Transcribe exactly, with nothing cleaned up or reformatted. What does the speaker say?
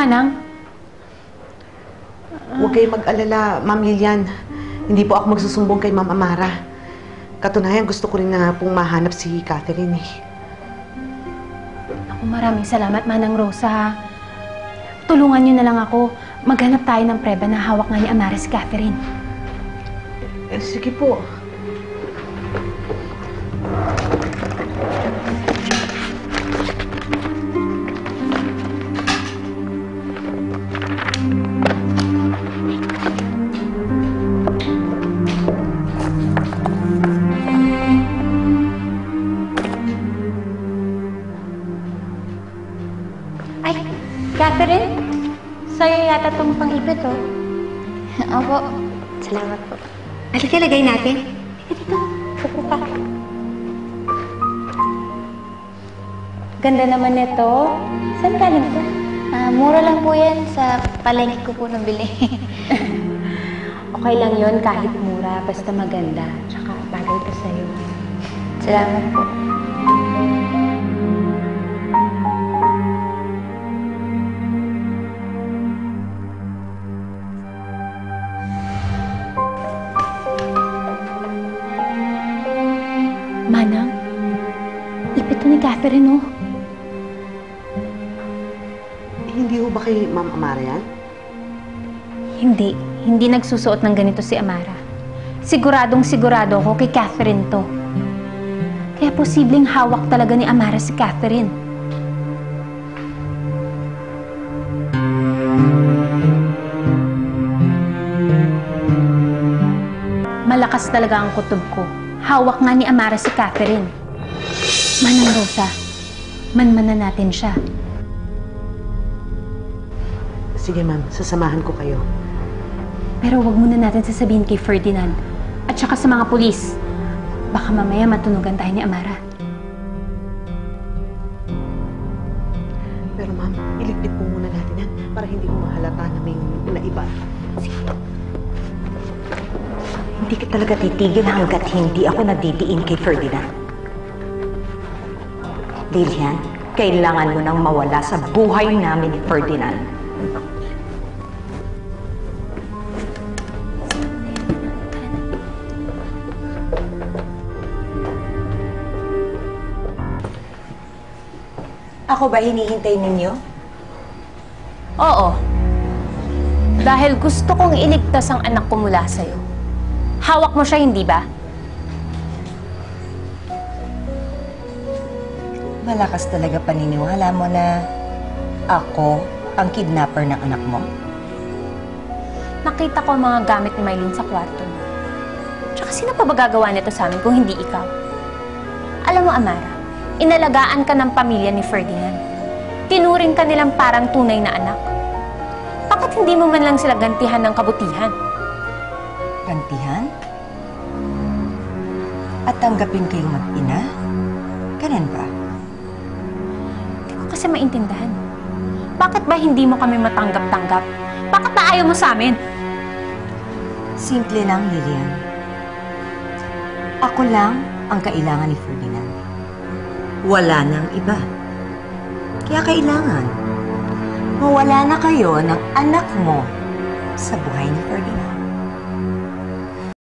Manang? Huwag kayong mag-alala, Ma'am Lilian. Hindi po ako magsusumbong kay Ma'am Amara. Katunayan, gusto ko rin na pong mahanap si Catherine eh. Ako, maraming salamat, Manang Rosa. Tulungan niyo na lang ako. Maghanap tayo ng preba na hawak nga ni Amara si Catherine. Eh, sige po. Ay, Catherine? Sa'yo yata itong pang-ipit, oh. Opo. Salamat po. Halika, lagay natin. Dito, upo ka. Ganda naman nito. Saan galing to? Ah, mura lang po yan sa palengke ko po nabili. Okay lang yon kahit mura, basta maganda. Tsaka bagay pa sa'yo. Salamat po. Manang, ipit to ni Catherine, oh. Hindi ho ba kay Ma'am Amara yan? Hindi. Hindi nagsusuot ng ganito si Amara. Siguradong sigurado ako kay Catherine to. Kaya posibleng hawak talaga ni Amara si Catherine. Malakas talaga ang kutob ko. Hawak nga ni Amara si Catherine. Manang Rosa, manmanan natin siya. Sige, ma'am. Sasamahan ko kayo. Pero wag muna natin sasabihin kay Ferdinand at saka sa mga pulis. Baka mamaya matunugan tayo ni Amara. Pero ma'am, iligpit po muna natin yan para hindi ko mahalata na may naiba. Sige. Hindi ka talaga titigil hanggat hindi ako nadidiin kay Ferdinand. Lilian, kailangan mo nang mawala sa buhay namin ni Ferdinand. Ako ba hinihintay ninyo? Oo. Dahil gusto kong iligtas ang anak ko mula sa'yo. Hawak mo siya, hindi ba? Malakas talaga paniniwala mo na ako ang kidnapper ng anak mo. Nakita ko ang mga gamit ni Mylene sa kwarto mo. Tsaka sino pa ba gagawa nito sa amin kung hindi ikaw? Alam mo, Amara, inalagaan ka ng pamilya ni Ferdinand. Tinuring ka nilang parang tunay na anak. Bakit hindi mo man lang sila gantihan ng kabutihan? Gantihan? At tanggapin kayong mag-ina? Ganun ba? Hindi ko kasi maintindihan. Bakit ba hindi mo kami matanggap-tanggap? Bakit ba ayaw mo sa amin? Simple lang, Lilian. Ako lang ang kailangan ni Ferdinand. Wala nang iba. Kaya kailangan mawala na kayo ng anak mo sa buhay ni Ferdinand.